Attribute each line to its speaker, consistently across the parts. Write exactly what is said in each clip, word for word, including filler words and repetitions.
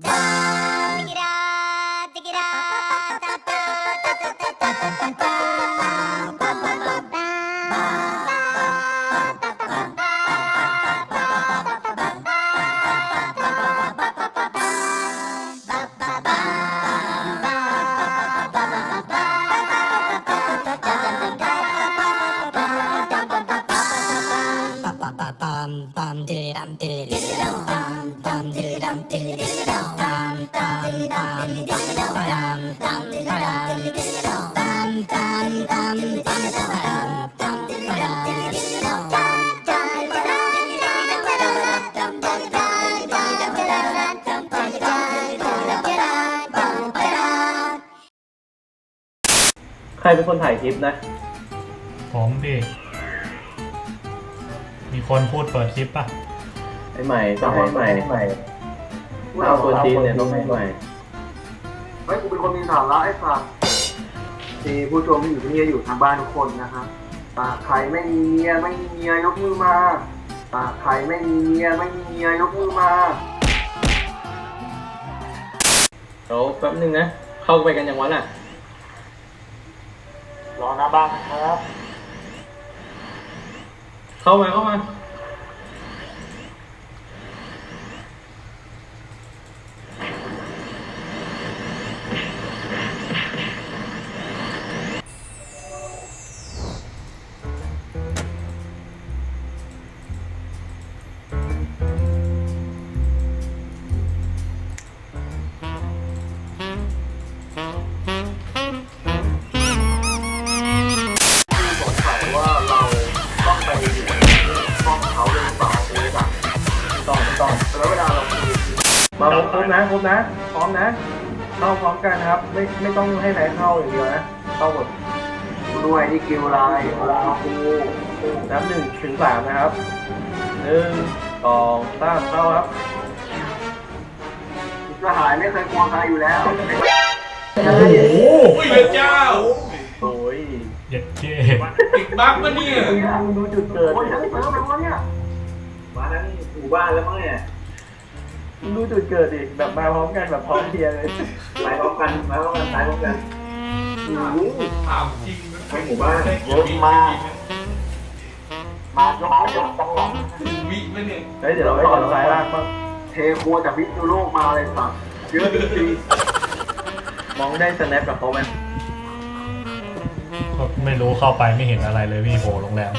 Speaker 1: ใครเป็นคนถ่ายคลิปนะ
Speaker 2: ผมพี่มีคนพูดเปิดคลิปป่ะ
Speaker 1: ไอ้ใหม่ต้องให้ใหม่ใหม่เอาคนจีนเนี่ยต้องให้ใหม่
Speaker 3: เฮ้ยกูเป็นคนมีสาระไอ้สัสที่ผู้ชมที่อยู่ที่นี่อยู่ทางบ้านทุกคนนะครับตาใครไม่มีเมียไม่มีเมียยกมือมาตาใครไม่มีเมียไม่มีเมียยกมือมา
Speaker 1: เดี๋ยวแป๊บนึงนะเข้าไปกันยังวะน่ะ
Speaker 3: รอหน้าบ้านครับ
Speaker 1: เข้ามาเข้ามามาครบนะครบนะพร้อมนะเข้าพร้อมกันครับไม่ไม่ต้องให้ไหนเข้าอย่างเดียวนะเข้าหมด
Speaker 3: ด้วยนี่คิวไลน์เวลาคู
Speaker 1: นับหนึ่งถึงสามนะครับหนึ่งสองสามเข้าครับ
Speaker 3: กระหายไม่เคยกลัวใครอยู่แล้ว
Speaker 2: โอ้โห
Speaker 4: พระเจ้า
Speaker 1: โอ้ย
Speaker 2: เย็ดเจ๊
Speaker 4: ติดบั๊กปะเนี่ย
Speaker 1: ดูจุดเกิด
Speaker 3: โอ้ยฉันเติมแล้วเนี่ยมานั้นหมู่บ้านแล้วมั้งเนี่ย
Speaker 1: ดูจุดเกิดดิแบบมาพร้อมกันแบบพร้อมเพียงเลย
Speaker 3: ไปพร้อมกันมาพร้อมกันตายพร้อมกัน
Speaker 4: ถามจริง
Speaker 3: ทั้งหมู่บ้านเยอะมากมายกยกต้องหลัง
Speaker 4: วิปะเนี่ย
Speaker 1: เฮ้ยเดี๋ยวเราไปก่อนสายล่างบ้าง
Speaker 3: เทครัวจากพิษณุโลกมาเลยสัตว์เยอะจริง
Speaker 1: มองได้สแนปกับเขาไหม
Speaker 2: ไม่รู้เข้าไปไม่เห็นอะไรเลยพี่โผล่โรงแรม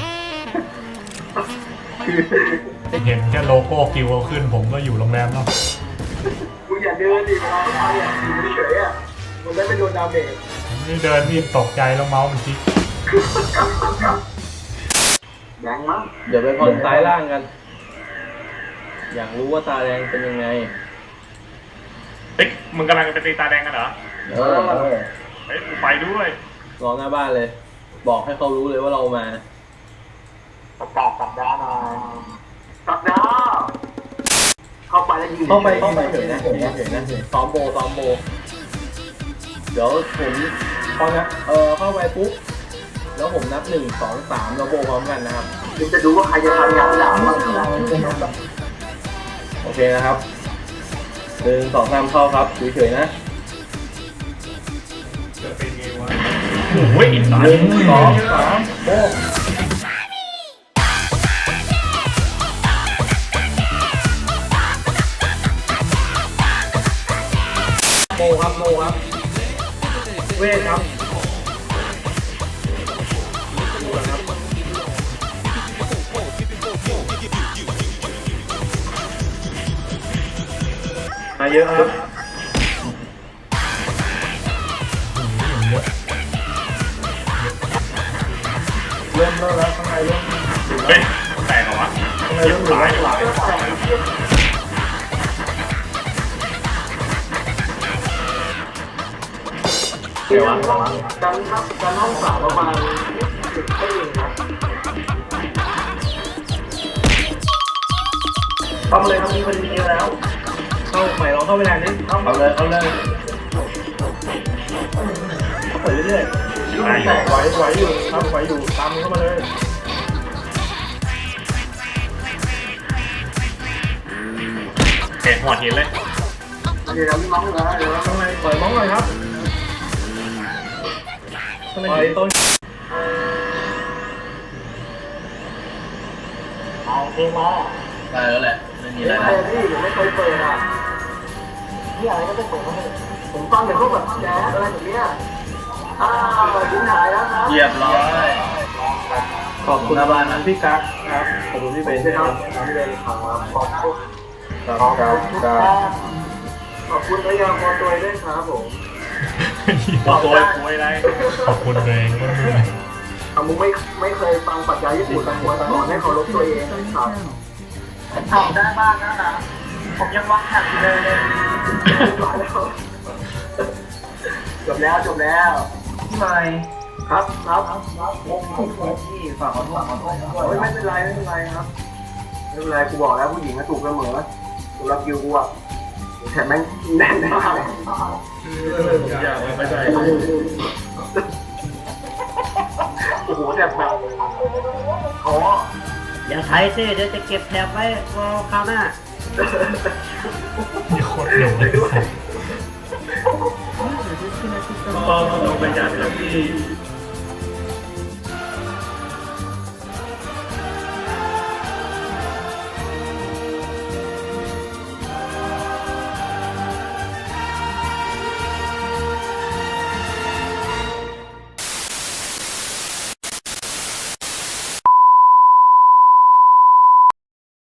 Speaker 2: เห็นแค่โลโก้กิวเอาขึ้นผมก็อยู่โรงแรมแล้ว
Speaker 3: มึงอย่าเดินดิเราเอาอย่างอยู่เฉยๆอ่ะมันได้ไม่โดนดาเมจ
Speaker 2: นี่เดินนี่ตกใจแล้วเมาส์มันทิ้ง
Speaker 3: แดงมั้ง
Speaker 1: เดี๋ยวไปผ่อนซ้ายล่างกันอยากรู้ว่าตาแดงเป็นยังไง
Speaker 2: เฮ้ยมึงกำลังจะไปตีตาแดงกันเหรอ
Speaker 1: เออ
Speaker 2: เฮ้ยกูไปด้วย
Speaker 1: รอหน้าบ้านเลยบอกให้เขารู้เลยว่าเรามา
Speaker 3: ประกาศสัปดาห์หน่อยสัปดาห์เข้าไปแล้วยืน
Speaker 1: เข้าไปเข้าไปเฉยนะเฉยนะเฉยนะซ้อมโบซ้อมโบเดี๋ยวผมพอนะเออเข้าไปปุ๊บแล้วผมนับหนึ่งสองสามแล้วโบพร้อมกันนะครับ
Speaker 3: คุณจะดูว่าใครจะทำงานหลังบ้าง
Speaker 1: โอเคนะครับหนึ่งสองสามเข้าครับเฉยๆนะ
Speaker 4: จะเป็นไงวะ
Speaker 2: โอ้ยหนึ่ง
Speaker 1: สองสามโบโมครับโมครับเวทครับมาเยอะครับเริ่มเริ่มแล้วข้างในเริ่ม
Speaker 2: เฮ้ยแตกเหรอวะ
Speaker 1: ข้างในเริ่มหลายหลาย
Speaker 3: เดี๋ยวกันครับกันห้องสามประมาณสิบไม่เองครับ
Speaker 1: เข้าเลยครับมีคนดีแล้วเข้าใหม่ลองเข้าไปแรงนิดเข้าเลยเข้าเลยเข้าไปเรื่อยๆไหวไหวอยู่ครับไหวอยู่ตามเข้ามาเลย
Speaker 2: เห็นหัวหินเลย
Speaker 3: เดี๋ยวมีมั้งเหรอเดี๋ยว
Speaker 1: ข้างในปล่อยมองหน่อยครับปล่อยต้น
Speaker 3: เอาเพลงมา
Speaker 1: ได้แล้วแหละไม่มี
Speaker 3: นี่
Speaker 1: อะไร
Speaker 3: อะไรพี่ผมไม่เคยเปิดอ่ะนี่อะไรก็จะเปิดผมฟังแต่พวกแบบแจ๊สอะไรแบบเนี้ยอ้าวทิ้งหายแล้วครับ
Speaker 1: เรียบร้อยขอบคุณนะบ้านนะพี่กั๊กครับขอบคุณพี่เบน
Speaker 3: ค
Speaker 1: ด้วยค
Speaker 3: รั
Speaker 1: รั
Speaker 3: บบ น้ำเรียนขาวขอบคุณ
Speaker 1: ครับ
Speaker 3: ขอบ
Speaker 1: ครับ
Speaker 3: คุณ
Speaker 1: ค
Speaker 3: ค
Speaker 1: รั
Speaker 3: รั
Speaker 1: บบ
Speaker 3: ขอบคุณพยาพรตัวด้วยครับผม
Speaker 1: ขอบคุณคุยอะไร
Speaker 2: ขอบคุณตัวเองก็เหนื่อย
Speaker 3: อ่ะมึงไม่ไม่เคยฟังปรัชญาญี่ปุ่นแต่ควรสอนให้เคารพตัวเองครับทำได้บ้างนะนะผมยังวัดหักอยู่เลยเลยจบแล้วจบแล้วพี่ใหม่ครับครับงงพี่ฝากขอโทษขอโทษไม่เป็นไรไม่เป็นไรครับไม่เป็นไรกูบอกแล้วผู้หญิงก็ถูกเสมอสำหรับยูกูอ่ะแถมแม่งแน่นมาก
Speaker 1: อยากไม่ได้
Speaker 3: โอ้โหแบบแบบอ๋อ
Speaker 5: อย่าใช้สิเดี๋ยวจะเก็บแถบไว้รอคราวหน้า
Speaker 2: มีโคตรหนุ่มเลย
Speaker 1: ก็ต้องเป็นอย่างที่